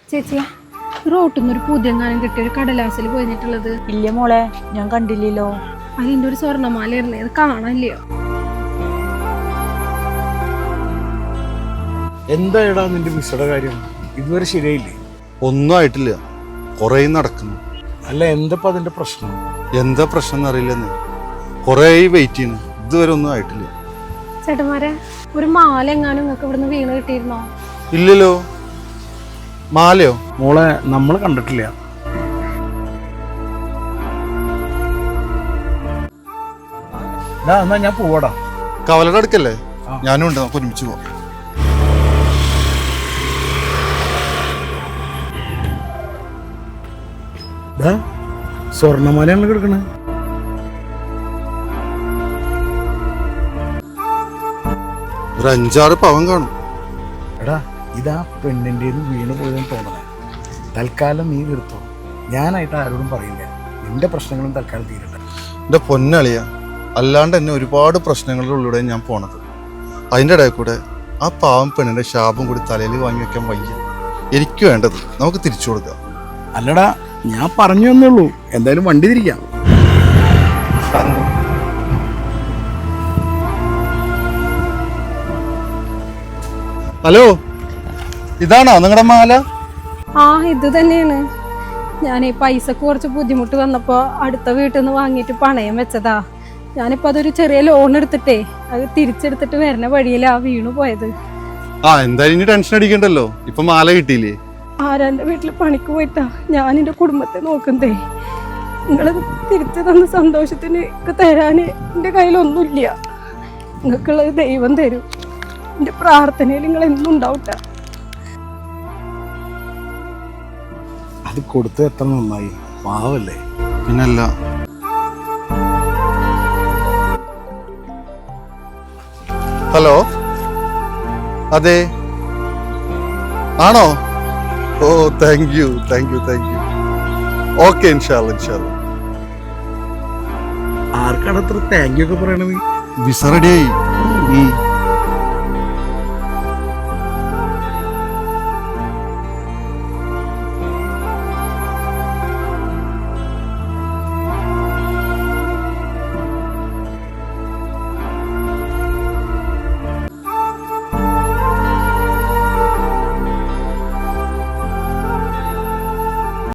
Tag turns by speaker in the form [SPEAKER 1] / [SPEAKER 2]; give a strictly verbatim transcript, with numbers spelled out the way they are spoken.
[SPEAKER 1] ചേച്ചിയാ റോട്ടിൽ നിന്ന് ഒരു പുതിയങ്ങാനം കിട്ടിയ ഒരു കടലാസിൽ പോയിട്ടുള്ളത്.
[SPEAKER 2] ഇല്ല മോളെ, ഞാൻ കണ്ടില്ലല്ലോ.
[SPEAKER 1] അതിന്റെ ഒരു സ്വർണ്ണമാലയായിരുന്നേ, അത് കാണാനില്ലയോ?
[SPEAKER 3] എന്തായടാ നിന്റെ മിസ്സയുടെ കാര്യം? ഇതുവരെ ശരിയായില്ലേ?
[SPEAKER 4] ഒന്നും ആയിട്ടില്ല, കുറേ നടക്കുന്നു.
[SPEAKER 3] അല്ല, എന്തപ്പോ അതിന്റെ പ്രശ്നം?
[SPEAKER 4] എന്താ പ്രശ്നം എന്നറിയില്ലെന്ന്, കുറേ വെയിറ്റ് ചെയ്യുന്നു, ഇതുവരെ ഒന്നും ആയിട്ടില്ല.
[SPEAKER 1] ചേട്ടന്മാരെ, ഒരു മാല എങ്ങാനും നിങ്ങൾക്ക് ഇവിടുന്ന് വീണ് കിട്ടിയിരുന്നോ?
[SPEAKER 4] ഇല്ലല്ലോ. മാലയോ?
[SPEAKER 3] മോളെ, നമ്മൾ കണ്ടിട്ടില്ല. എന്നാ ഞാൻ പോവാടാ.
[SPEAKER 4] കവലയുടെ അടുക്കല്ലേ? ഞാനും ഉണ്ട്, നമുക്ക് ഒരുമിച്ച് പോവാം.
[SPEAKER 3] സ്വർണ്ണമാലയാണ് കിടക്കണേ.
[SPEAKER 4] ഒരു അഞ്ചാറ് പവൻ കാണും.
[SPEAKER 3] എടാ, ഇതാ പെണ്ണിൻ്റെ വീണ് പോയതെന്ന് തോന്നണേ. തൽക്കാലം നീ നിർത്തോ, ഞാനായിട്ട് ആരോടും പറയില്ല. നിന്റെ പ്രശ്നങ്ങളും തൽക്കാലം തീരട്ടെ.
[SPEAKER 4] എൻ്റെ പൊന്നളിയ, അല്ലാണ്ട് എന്നെ ഒരുപാട് പ്രശ്നങ്ങളിലൂടെ ഞാൻ പോണത്. അതിൻ്റെ ഇടയിൽ കൂടെ ആ പാവം പെണ്ണിൻ്റെ ശാപം കൂടി തലയിൽ വാങ്ങി വെക്കാൻ വയ്യ. എനിക്ക് വേണ്ടത് നമുക്ക് തിരിച്ചു കൊടുക്കാം.
[SPEAKER 3] അല്ലടാ, ഞാൻ പറഞ്ഞു തന്നേ ഉള്ളൂ. എന്തായാലും വണ്ടി തിരിക്കാം.
[SPEAKER 4] ഹലോ, ഇതാണോ നിങ്ങളുടെ മാല?
[SPEAKER 1] ആ, ഇത് തന്നെയാണ്. ഞാൻ ഈ പൈസക്ക് കുറച്ച് ബുദ്ധിമുട്ട് വന്നപ്പോൾ അടുത്ത വീട്ടിൽ നിന്ന് വാങ്ങിയിട്ട് പണയം വെച്ചതാ. ഞാനിപ്പോൾ അതൊരു ചെറിയ ലോൺ എടുത്തിട്ടേ അത് തിരിച്ചെടുത്തിട്ട് വരുന്ന വഴിയിലാ വീണു പോയത്.
[SPEAKER 4] ആ, എന്തായാലും ഇനി ടെൻഷൻ അടിക്കണ്ടല്ലോ, ഇപ്പൊ മാല കിട്ടിയില്ലേ?
[SPEAKER 1] ആരാൻ്റെ വീട്ടിൽ പണിക്ക് പോയിട്ടാ ഞാൻ എൻ്റെ കുടുംബത്തെ നോക്കുന്നതേ. നിങ്ങൾ തിരിച്ചു തന്ന സന്തോഷത്തിന് തരാൻ എൻ്റെ കയ്യിലൊന്നുമില്ല. നിങ്ങൾക്കുള്ളത് ദൈവം തരും. എൻ്റെ പ്രാർത്ഥനയിൽ നിങ്ങൾ എന്നും ഉണ്ടാവട്ടെ.
[SPEAKER 3] അത് കൊടുത്ത് എത്ര നന്നായി, പാവല്ലേ.
[SPEAKER 4] പിന്നല്ല. ഹലോ, അതെ, ആണോ? ഓ, thank you thank you thank you okay, ഇൻഷാല്ല ഇൻഷാല്ല.
[SPEAKER 3] ആർക്കാണ് അത്ര താങ്ക് യു ഒക്കെ പറയണത്?
[SPEAKER 4] വിസ റെഡിയായി.